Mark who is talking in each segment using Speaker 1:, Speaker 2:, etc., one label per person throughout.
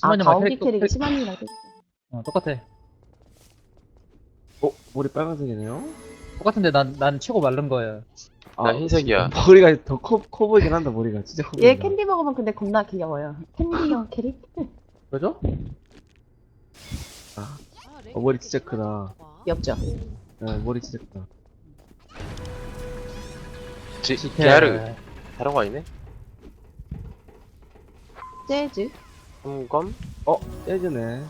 Speaker 1: 심한이
Speaker 2: 가오기 캐릭이 심한이랑
Speaker 1: 똑같아.
Speaker 3: 머리 빨간색이네요?
Speaker 1: 똑같은데 난 최고 마른 거예요.
Speaker 4: 나 흰색이야.
Speaker 3: 진짜 머리가 더 커 보이긴 한다, 머리가. 진짜 커 보인다.
Speaker 2: 얘 캔디 먹으면 근데 겁나 귀여워요. 캔디형 캐릭?
Speaker 1: 그죠?
Speaker 3: 머리 진짜 크다.
Speaker 2: 귀엽죠?
Speaker 3: 네, 머리 진짜 크다.
Speaker 4: 게하르 다른 거 아니네?
Speaker 2: 재즈?
Speaker 4: 삼검?
Speaker 3: 예전에.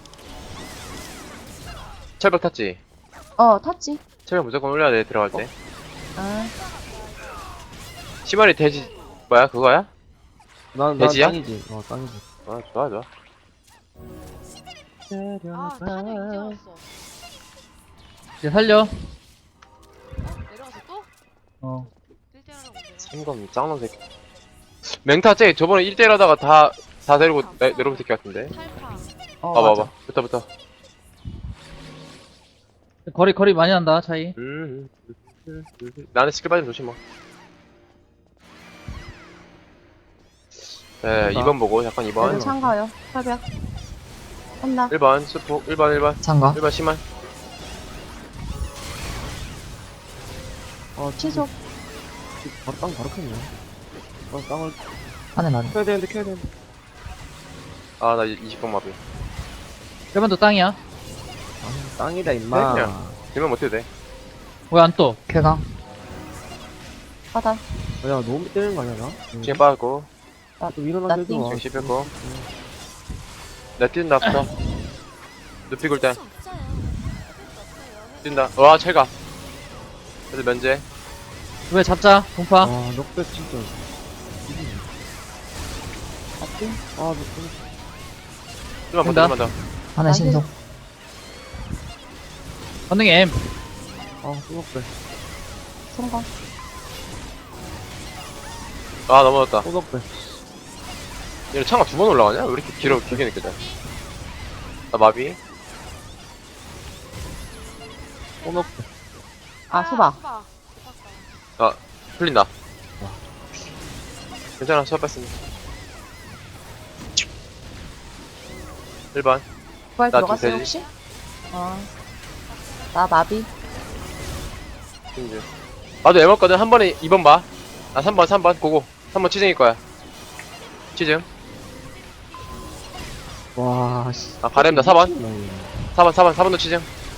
Speaker 4: 철벽 탔지?
Speaker 2: 탔지?
Speaker 4: 철벽 무조건 올려야 돼 들어갈 때.
Speaker 2: 아,
Speaker 4: 시마리 돼지 뭐야 그거야?
Speaker 3: 난
Speaker 4: 돼지야?
Speaker 3: 땅이지. 땅이지.
Speaker 4: 아 좋아 좋아.
Speaker 5: 아, 나한이 이제 왔어.
Speaker 1: 이제 살려.
Speaker 5: 내려가서 또?
Speaker 1: 어.
Speaker 5: 1대1하라고 온대요.
Speaker 4: 삼검 짱놈 새끼. 맹타 쟤 저번에 1대1 하다가 다 데리고 내려온 새끼 같은데.
Speaker 5: 탈파.
Speaker 4: 봐봐. 붙어.
Speaker 1: 거리 많이 난다 차이.
Speaker 4: 나는 스킬 빠지면 조심 뭐. 네, 2번 보고 잠깐
Speaker 2: 얘도
Speaker 4: 2번.
Speaker 2: 참가요. 철벽. 혼나.
Speaker 4: 1번 스포 1번
Speaker 6: 참가.
Speaker 4: 1번 심한.
Speaker 2: 취소.
Speaker 3: 바로 켰네. 땅을
Speaker 6: 안에 난.
Speaker 3: 켜야 되는데.
Speaker 4: 아 나 20번 마비.
Speaker 1: 1번도 땅이야.
Speaker 3: 땅이다, 임마.
Speaker 4: 그냥. 들면 못해도 돼.
Speaker 1: 왜 안 떠?
Speaker 6: 쾌강.
Speaker 2: 바다.
Speaker 3: 야, 너무 때리는 거 아니야, 나?
Speaker 4: 지금 빠졌고.
Speaker 3: 좀 일어나게
Speaker 2: 나
Speaker 3: 해줘.
Speaker 2: 띵.
Speaker 4: 지금 씹혔고. 나 뛴다 붙어. 눕히 굴 때. 뛴다. 와 철가. 그래도 면제.
Speaker 1: 왜 잡자 동파.
Speaker 3: 넉백 진짜.
Speaker 2: 맞지?
Speaker 3: 넉백.
Speaker 4: 좀만
Speaker 1: 된다.
Speaker 4: 더.
Speaker 6: 안에 신속.
Speaker 1: 건능이 M.
Speaker 3: 또 넉백.
Speaker 2: 성공.
Speaker 4: 아 넘어졌다.
Speaker 3: 또 넉백.
Speaker 4: 얘는 창가 2번 올라가냐? 왜 이렇게 길게 느껴져? 나 마비.
Speaker 3: 또 넉백.
Speaker 2: 수박.
Speaker 4: 아 풀린다. 괜찮아 수업 뺐습니다. 1번.
Speaker 2: 부활
Speaker 4: 나
Speaker 2: 들어갔어요,
Speaker 4: 좀
Speaker 2: 혹시? 나 마비.
Speaker 4: 이제. 나도 애먹거든. 한 번에 2번 봐. 아 3번 고고. 3번 치즈일 거야. 치즈.
Speaker 3: 와, 씨.
Speaker 4: 아 바램다 4번도 치즈.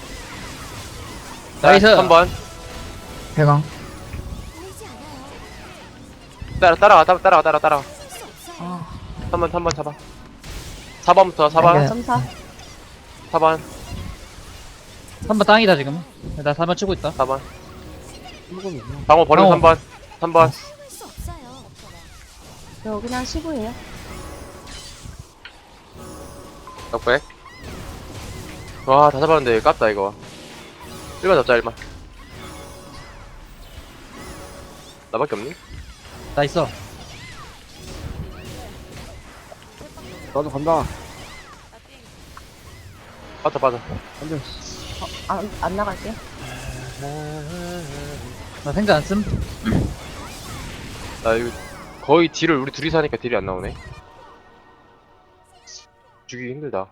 Speaker 1: 나이스.
Speaker 4: 3번.
Speaker 6: 쾌강.
Speaker 4: 따라가.
Speaker 2: 아,
Speaker 4: 3번 잡아. 4번부터 4번.
Speaker 6: 네.
Speaker 2: 점사.
Speaker 4: 4번.
Speaker 1: 3번 땅이다 지금. 나 4번 치고 있다.
Speaker 4: 4번.
Speaker 3: 한번이야.
Speaker 4: 방어 버리고 3번.
Speaker 2: 저 그냥 15예요.
Speaker 4: 넉백. 와, 다 잡았는데 깝다 이거. 1번 잡자 1번. 나밖에 없니?
Speaker 1: 나 있어.
Speaker 3: 나도 간다.
Speaker 4: 빠져.
Speaker 3: 안 돼.
Speaker 2: 안 나갈게.
Speaker 1: 나 생각 안 씀.
Speaker 4: 나 이거 거의 딜을 우리 둘이서 하니까 딜이 안 나오네. 죽이기 힘들다.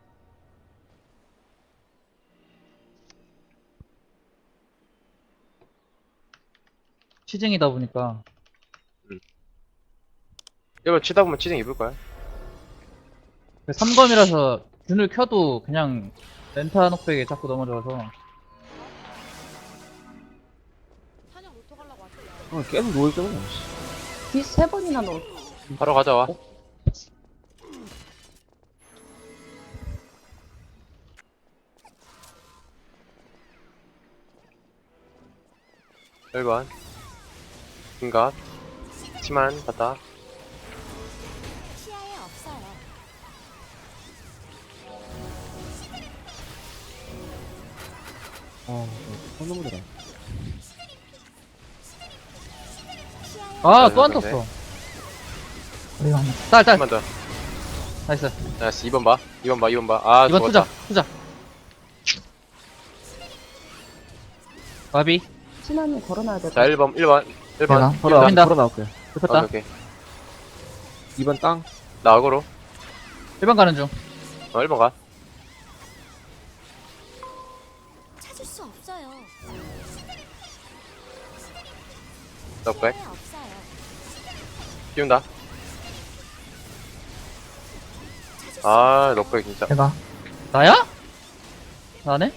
Speaker 1: 치징이다 보니까.
Speaker 4: 1번 치다 보면 치징 입을 거야.
Speaker 1: 3검이라서 균을 켜도 그냥 렌타 녹백에 자꾸 넘어져서.
Speaker 5: 사냥 로또 가려고 왔대.
Speaker 3: 계속 누워있잖아.
Speaker 2: 뒤 3번이나 넣어.
Speaker 4: 바로 가져와. 일 1번. 긴갑. 치만 갔다.
Speaker 5: 시야에 없어요.
Speaker 3: 선놈들아.
Speaker 1: 아,
Speaker 4: 네,
Speaker 1: 또 안
Speaker 4: 네,
Speaker 1: 떴어.
Speaker 6: 우리가 하나.
Speaker 1: 딸.
Speaker 4: 한번 더.
Speaker 1: 나이스.
Speaker 4: 나이스 2번 봐. 2번 봐. 아,
Speaker 1: 이번
Speaker 4: 죽었다.
Speaker 1: 투자. 마비.
Speaker 2: 신한이 걸어놔야 될 것
Speaker 4: 자,
Speaker 2: 같아.
Speaker 4: 1번.
Speaker 6: 내가?
Speaker 1: 보인다.
Speaker 3: 걸어 나올게.
Speaker 1: 붙었다.
Speaker 4: 오케이.
Speaker 3: 2번 땅.
Speaker 4: 나 악으로.
Speaker 1: 1번 가는 중.
Speaker 4: 1번 가.
Speaker 7: 찾을 수 없어요.
Speaker 4: 넉백.
Speaker 7: 시야에 없어요.
Speaker 4: 띄운다. 아, 넉백 진짜.
Speaker 6: 대각.
Speaker 1: 나야? 나네?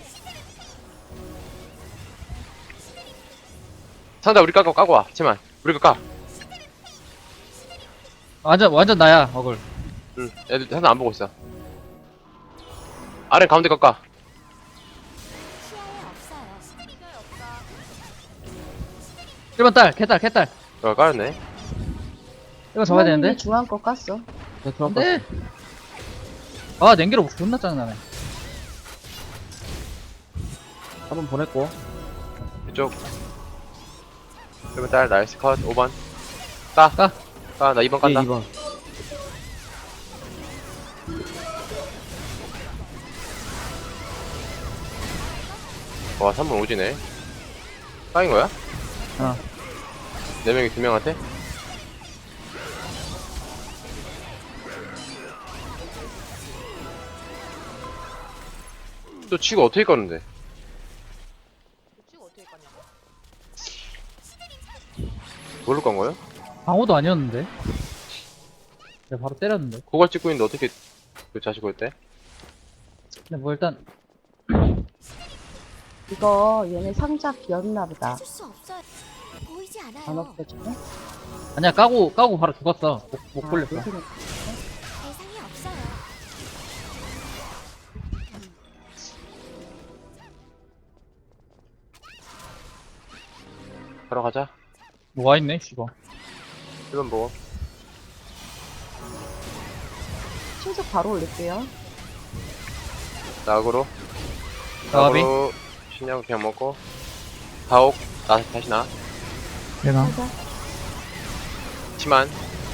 Speaker 4: 상자 우리 까고 와. 치만. 우리 거 까.
Speaker 1: 완전 나야, 어글.
Speaker 4: 응. 애들 상자 안 보고 있어. 아래 가운데 깎아.
Speaker 7: 시야에 없어요.
Speaker 5: 시야에 없다.
Speaker 1: 1번 딸, 개딸.
Speaker 4: 까였네.
Speaker 1: 이거 잡아야 되는데?
Speaker 2: 중앙 거 깠어.
Speaker 3: 내 들어가.
Speaker 1: 근데 아 냉기로 존나 짜증나네.
Speaker 3: 한번 보냈고.
Speaker 4: 이쪽. 1번 딸, 나이스 컷. 5번. 까.
Speaker 1: 까.
Speaker 4: 까. 나 2번 깐다.
Speaker 3: 2번.
Speaker 4: 와, 3번 오지네. 까인 거야?
Speaker 1: 어.
Speaker 4: 4명이 2명한테? 또 치고 어떻게 껐는데?
Speaker 5: 지금 어떻게 깠냐?
Speaker 4: 뭘로 깐 거야?
Speaker 1: 방어도 아니었는데. 내가 바로 때렸는데.
Speaker 4: 고갈 찍고 있는데 어떻게 그 자식 올 때?
Speaker 1: 근데 뭐 일단
Speaker 2: 이거 얘네 상자 비었나 보다.
Speaker 7: 찾을 수 없어요. 보이지
Speaker 2: 안
Speaker 7: 않아요.
Speaker 2: 없어지네.
Speaker 1: 아니야 까고 바로 죽었어. 못 걸렸어.
Speaker 2: 여기는
Speaker 7: 대상이 없어요.
Speaker 4: 바로 가자.
Speaker 1: 뭐 와있네 씨발.
Speaker 4: 1번 보고.
Speaker 2: 신속 바로 올릴게요.
Speaker 4: 나그로.
Speaker 1: 나비.
Speaker 4: 나그로. 신형 그냥 먹고. 가옥. 다시 나.
Speaker 6: 대각.
Speaker 2: 상자.
Speaker 4: 치만.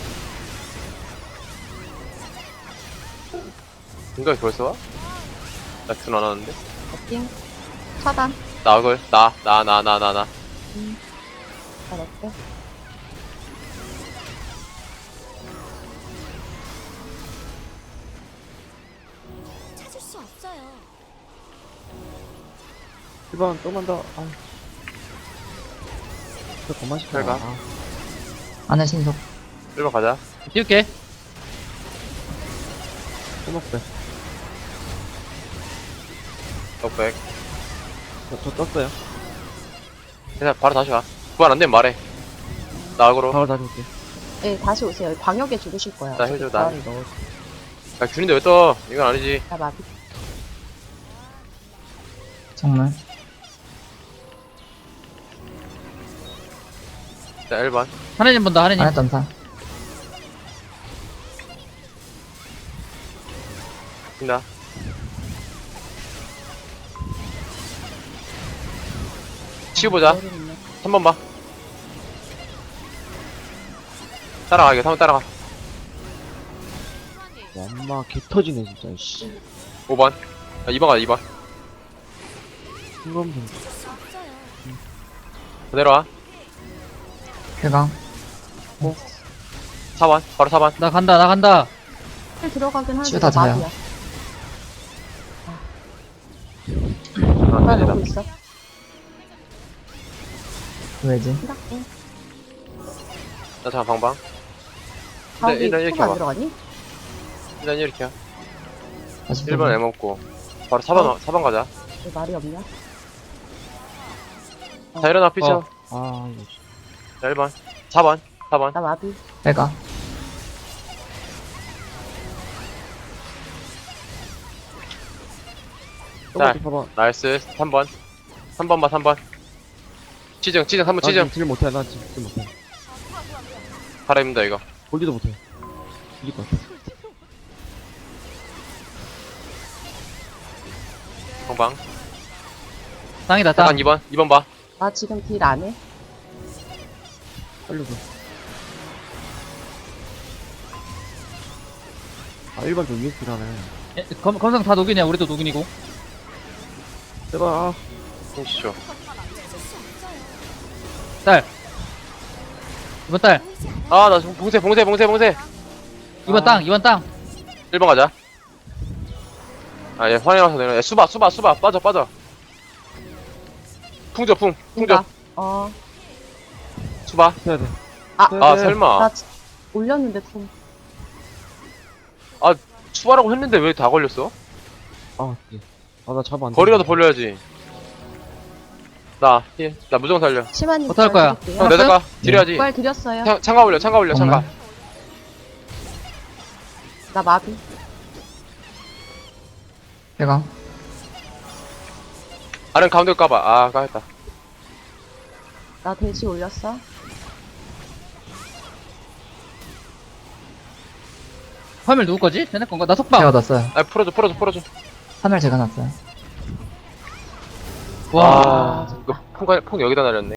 Speaker 4: 생각이 벌써 와? 나균 안 하는데?
Speaker 2: 버팅. 차단.
Speaker 4: 나글. 나.
Speaker 2: 잘했대.
Speaker 7: 찾을 수 없어요.
Speaker 3: 1번 조금만 더. 아. 저 그만 시켜.
Speaker 4: 잘 가.
Speaker 3: 아,
Speaker 6: 안에 신속.
Speaker 4: 1번 가자.
Speaker 1: 띄울게.
Speaker 3: 꼬먹대.
Speaker 4: 넉백.
Speaker 3: 저 떴어요.
Speaker 4: 그냥 바로 다시 가. 부활 안 되면 말해. 나그로.
Speaker 3: 바로 다시 올게.
Speaker 2: 네, 다시 오세요. 광역에 죽으실 거야.
Speaker 4: 나 해줘, 나.
Speaker 2: 부활을 넣어.
Speaker 4: 야, 균인데 왜 떠? 이건 아니지.
Speaker 2: 나 마비.
Speaker 6: 정말.
Speaker 4: 자, 1번.
Speaker 1: 하느님 본다 하느님.
Speaker 6: 안에 점사.
Speaker 4: 뛴다. 치우보자. 3번 봐. 따라가, 이거 3번 따라가.
Speaker 5: 수환이.
Speaker 3: 엄마 개 터지네 진짜. 씨.
Speaker 4: 5번. 아, 2번 가자, 2번.
Speaker 3: 순간 좀.
Speaker 7: 찾을 수 없어요.
Speaker 4: 그대로 와.
Speaker 6: 대각.
Speaker 4: 4번. 바로 4번.
Speaker 1: 나 간다.
Speaker 2: 힐 들어가긴 하는데
Speaker 6: 치유 다 자요.
Speaker 2: 마비야.
Speaker 4: 아,
Speaker 2: 나
Speaker 4: 되다.
Speaker 2: 넣고 있어.
Speaker 6: 왜지?
Speaker 2: 힐할게.
Speaker 4: 나 잠깐 방방.
Speaker 2: 가운데
Speaker 4: 일단 이렇게
Speaker 2: 안
Speaker 4: 봐.
Speaker 2: 들어가니?
Speaker 4: 일단 이렇게 해.
Speaker 6: 다시
Speaker 4: 1번 애 먹고. 바로 4번 가자.
Speaker 2: 왜 말이 없냐?
Speaker 4: 자, 일어나, 피쳐.
Speaker 3: 아 이거. 씨.
Speaker 4: 자, 1번. 4번.
Speaker 2: 나 마비.
Speaker 6: 대각.
Speaker 3: 조금만 더 봐봐.
Speaker 4: 나이스. 3번. 3번 봐, 3번. 치정, 3번 치정.
Speaker 3: 딜 못해. 난 딜 못해.
Speaker 4: 바라 입니다, 이거.
Speaker 3: 볼지도 못해. 이길 것 같아.
Speaker 4: 방방.
Speaker 1: 땅이다
Speaker 4: 잠깐
Speaker 1: 땅.
Speaker 4: 2번 봐.
Speaker 2: 나 지금 딜 안 해.
Speaker 3: 살려줘. 아 1번 좀 위에서 딜하네.
Speaker 1: 검상 다 녹이냐? 우리도 녹인이고.
Speaker 3: 제발. 아.
Speaker 4: 힘시죠.
Speaker 7: 찾을 수 없어요.
Speaker 1: 딸. 이번 딸.
Speaker 7: 보이지 않아요.
Speaker 4: 아, 나 봉쇄.
Speaker 1: 2번 땅.
Speaker 4: 1번 가자. 아, 얘 환희 와서 내려. 야, 수바, 빠져. 풍저, 풍저.
Speaker 2: 그니까, 어.
Speaker 4: 수바.
Speaker 3: 해야 돼.
Speaker 2: 아,
Speaker 3: 네,
Speaker 4: 아,
Speaker 3: 네.
Speaker 4: 설마.
Speaker 2: 나 올렸는데 좀.
Speaker 4: 수바라고 했는데 왜 다 걸렸어?
Speaker 3: 아, 예. 아, 나 잡아 안 돼.
Speaker 4: 거리라도 벌려야지. 나 무조건 살려.
Speaker 2: 시마님
Speaker 1: 어떡할 거야?
Speaker 2: 드릴게요.
Speaker 4: 형, 내다가 딜해야지.
Speaker 2: 부활 드렸어요.
Speaker 4: 창가 올려, 창가.
Speaker 6: 정말?
Speaker 2: 나 마비.
Speaker 6: 쾌강.
Speaker 4: 아른 가운데 까봐. 아, 까였다.
Speaker 2: 나 대시 올렸어.
Speaker 1: 화면 누구 거지? 쟤네 건가? 나 속박.
Speaker 6: 제가 넣었어요.
Speaker 4: 아, 풀어줘.
Speaker 6: 3일 제가 놨어요.
Speaker 1: 와.
Speaker 4: 이거 풍 여기다 날렸네.